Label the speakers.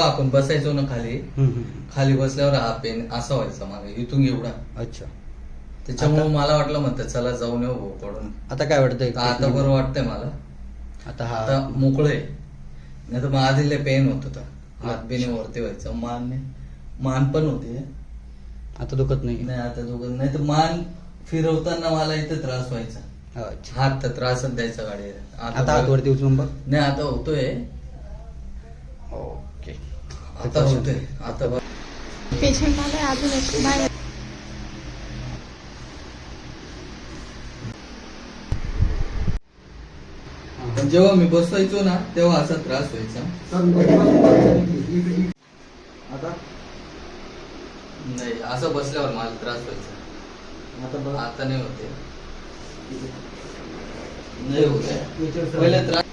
Speaker 1: जेव्हा आपण बसायचो ना खाली,
Speaker 2: हम्म.
Speaker 1: खाली बसल्यावर हा पेन असा व्हायचा मागे इथून एवढा.
Speaker 2: अच्छा.
Speaker 1: त्याच्यामुळे मला वाटलं म्हणतं चला जाऊन येऊ भाऊ पडून.
Speaker 2: आता काय वाटतंय?
Speaker 1: आता बरं वाटतंय मला.
Speaker 2: आता
Speaker 1: आता
Speaker 2: हा
Speaker 1: मोकळे. नाही तर मग आधीले पेन होत होता, हात बिने वरती व्हायचं, मान पण होते.
Speaker 2: आता दुखत नाही.
Speaker 1: नाही आता दोघं नाही तर मान फिरवताना मला इथे त्रास व्हायचा.
Speaker 2: अच्छा.
Speaker 1: हात तर त्रासच द्यायचा गाडीवर.
Speaker 2: आता हात वरती उचलून बघ.
Speaker 1: नाही आता होतोय.
Speaker 2: ओके.
Speaker 1: आता होतोय. आता बघ.
Speaker 3: पेशंट आलाय अजून एक बाहेर.
Speaker 1: पण जेव्हा मी बसवायचो ना तेव्हा असा त्रास व्हायचा.
Speaker 2: आता
Speaker 1: नाही असं बसल्यावर मला त्रास व्हायचा. आता नाही होते. नाही होते. पहिले त्रास